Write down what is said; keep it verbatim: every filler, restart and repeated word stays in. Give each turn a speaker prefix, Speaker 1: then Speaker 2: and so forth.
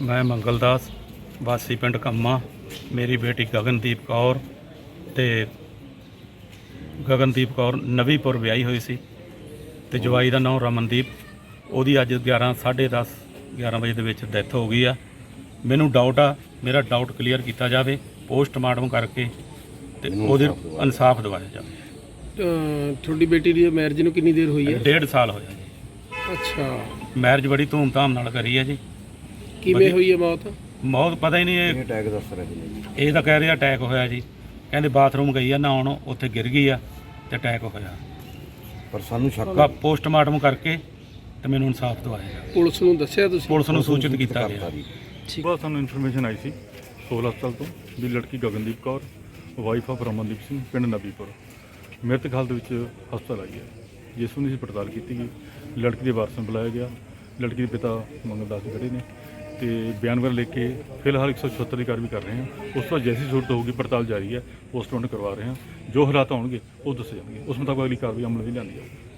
Speaker 1: मैं मंगलदास वासी पिंड कम्मा, मेरी बेटी गगनदीप कौर ते गगनदीप कौर नवीपुर विआही हुई सी ते जवाई का नाम रमनदीप। ਉਹਦੀ ਅੱਜ ਗਿਆਰਾਂ ਸਾਢੇ ਦਸ ਗਿਆਰਾਂ ਵਜੇ ਦੇ ਵਿੱਚ ਡੈਥ ਹੋ ਗਈ ਆ। ਮੈਨੂੰ ਡਾਊਟ ਆ, ਮੇਰਾ ਡਾਊਟ ਕਲੀਅਰ ਕੀਤਾ ਜਾਵੇ, ਪੋਸਟਮਾਰਟਮ ਕਰਕੇ ਤੇ ਉਹਦੇ ਇਨਸਾਫ ਦਿਵਾਇਆ ਜਾਵੇ।
Speaker 2: ਤੁਹਾਡੀ ਬੇਟੀ ਦੀ ਮੈਰਿਜ ਨੂੰ ਕਿੰਨੀ ਦੇਰ ਹੋਈ ਹੈ?
Speaker 1: ਡੇਢ ਸਾਲ ਹੋਇਆ ਜੀ।
Speaker 2: ਅੱਛਾ,
Speaker 1: ਮੈਰਿਜ ਬੜੀ ਧੂਮਧਾਮ ਨਾਲ ਕਰੀ ਹੈ ਜੀ।
Speaker 2: ਕਿਵੇਂ ਹੋਈ ਹੈ ਮੌਤ?
Speaker 1: ਮੌਤ ਪਤਾ ਹੀ ਨਹੀਂ, ਇਹ
Speaker 3: ਅਟੈਕ ਦੱਸ ਰਹੇ ਨੇ।
Speaker 1: ਇਹ ਤਾਂ ਕਹਿ ਰਿਹਾ ਅਟੈਕ ਹੋਇਆ ਜੀ। ਕਹਿੰਦੇ ਬਾਥਰੂਮ ਗਈ ਆ ਨਹਾਉਣ, ਉੱਥੇ ਗਿਰ ਗਈ ਆ ਤੇ ਅਟੈਕ ਹੋਇਆ।
Speaker 3: ਪਰ ਸਾਨੂੰ ਸ਼ੱਕ
Speaker 1: ਪੋਸਟਮਾਰਟਮ ਕਰਕੇ ਤੇ ਮੈਨੂੰ ਇਨਸਾਫ ਦਵਾਇਆ।
Speaker 2: ਪੁਲਿਸ ਨੂੰ ਦੱਸਿਆ ਤੁਸੀਂ?
Speaker 1: ਪੁਲਿਸ ਨੂੰ ਸੂਚਿਤ ਕੀਤਾ ਗਿਆ।
Speaker 4: ਸੁਬਾਹ ਸਾਨੂੰ ਇਨਫੋਰਮੇਸ਼ਨ ਆਈ ਸੀ ਸੋਲ ਹਸਪਤਾਲ ਤੋਂ ਵੀ ਲੜਕੀ ਗਗਨਦੀਪ ਕੌਰ ਵਾਈਫ ਆਫ ਰਮਨਦੀਪ ਸਿੰਘ ਪਿੰਡ ਨਬੀਪੁਰ ਮ੍ਰਿਤਕ ਹਾਲਤ ਵਿੱਚ ਹਸਪਤਾਲ ਆਈ ਹੈ। ਜਿਸ ਨੂੰ ਅਸੀਂ ਪੜਤਾਲ ਕੀਤੀ ਗਈ, ਲੜਕੀ ਦੇ ਵਾਰਸ ਨੂੰ ਬੁਲਾਇਆ ਗਿਆ। ਲੜਕੀ ਦੇ ਪਿਤਾ ਮੰਗਲਦਾਸ ਜੀ ਖੜੇ ਨੇ ਤੇ ਬਿਆਨ ਵਗੈਰਾ ਲਿਖ ਕੇ ਫਿਲਹਾਲ ਇੱਕ ਸੌ ਛਿਹੱਤਰ ਦੀ ਕਾਰਵਾਈ ਕਰ ਰਹੇ ਹਾਂ। ਉਸ ਤੋਂ ਬਾਅਦ ਜੈਸੀ ਜ਼ਰੂਰਤ ਹੋਊਗੀ ਪੜਤਾਲ ਜਾਰੀ ਹੈ, ਪੋਸਟਮਾਰਟਮ ਕਰਵਾ ਰਹੇ ਹਾਂ। ਜੋ ਹਾਲਾਤ ਹੋਣਗੇ ਉਹ ਦੱਸੇ ਜਾਣਗੇ, ਉਸ ਮੁਤਾਬਕ ਅਗਲੀ ਕਾਰਵਾਈ ਅਮਲ ਵੀ ਲਿਆਂਦੀ ਜਾਊਗੀ।